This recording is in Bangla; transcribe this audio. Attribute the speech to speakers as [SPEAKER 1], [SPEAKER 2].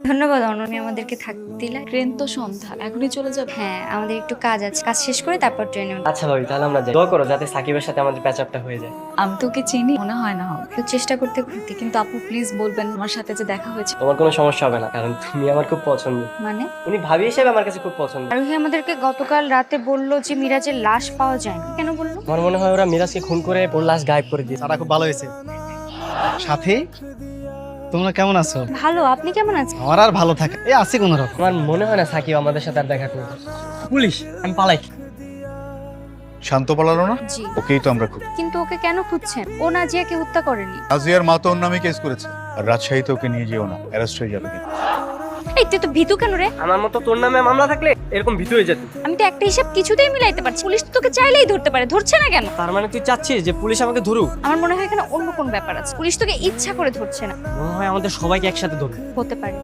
[SPEAKER 1] ধন্যবাদ অননি আমাদেরকে থাকতে দিলে।
[SPEAKER 2] ট্রেন তো সন্ধ্যা, এখনই চলে যাবে?
[SPEAKER 1] হ্যাঁ, আমাদের একটু কাজ আছে, কাজ শেষ করে তারপর ট্রেনে উঠবো।
[SPEAKER 3] আচ্ছা ভাবি, তাহলে আমরা যাই। দোয়া করো যাতে সাকিবের সাথে আমাদের প্যাচ আপটা হয়ে যায়।
[SPEAKER 2] আমি তোকে চিনি, মনে হয় না হবে।
[SPEAKER 1] একটু চেষ্টা করতে করতে
[SPEAKER 2] কিন্তু আপু প্লিজ বলবেন আমার সাথে যে দেখা হয়েছে।
[SPEAKER 3] তোমার কোনো সমস্যা হবে না, কারণ তুমি আমার খুব পছন্দ।
[SPEAKER 1] মানে
[SPEAKER 3] উনি ভাবি হিসেবে আমার কাছে খুব পছন্দ।
[SPEAKER 1] আরোহী আমাদেরকে গতকাল রাতে বললো যে মিরাজের লাশ পাওয়া যায়নি। কেন বললো?
[SPEAKER 3] আমার মনে হয় ওরা মিরাজকে খুন করে ওর লাশ গায়েব করে দিয়েছে।
[SPEAKER 4] তারা খুব ভালো হয়েছে। সাথী, তোমরা কেমন আছো?
[SPEAKER 1] ভালো, আপনি কেমন আছেন?
[SPEAKER 4] আমার আর ভালো থাকে এই আছি কোন রকম।
[SPEAKER 3] আমার মনে হয় না সাকিব আমাদের সাথে আর দেখা করবে। পুলিশ, আমি পালাই।
[SPEAKER 5] শান্ত পালালো না,
[SPEAKER 1] জি,
[SPEAKER 5] ওকেই তো আমরা খুব।
[SPEAKER 1] কিন্তু ওকে কেন খুঁজছেন? ও নাজিয়াকে হত্যা করেনি।
[SPEAKER 5] রাজিয়ার মা তো ওর নামে কেস করেছে, আর রাজশাহীতে ওকে নিয়ে যেও না, অ্যারেস্ট হয়ে যাবে কিন্তু।
[SPEAKER 1] এই তুই তো ভীতু কেন রে?
[SPEAKER 3] আমার মতো তোর নামে মামলা থাকলে এরকম ভীতু হয়ে যেত।
[SPEAKER 1] আমি তো একটা হিসাব কিছুতেই মিলাইতে পারছি, পুলিশ তো তোকে চাইলেই ধরতে পারে, ধরছে না কেন?
[SPEAKER 3] তার মানে তুই চাচ্ছিস যে পুলিশ আমাকে ধরুক?
[SPEAKER 1] আমার মনে হয় এখানে অন্য কোন ব্যাপার আছে, পুলিশ তোকে ইচ্ছা করে ধরছে না।
[SPEAKER 3] মনে হয় আমাদের সবাইকে একসাথে ধরবে।
[SPEAKER 1] হতে পারে।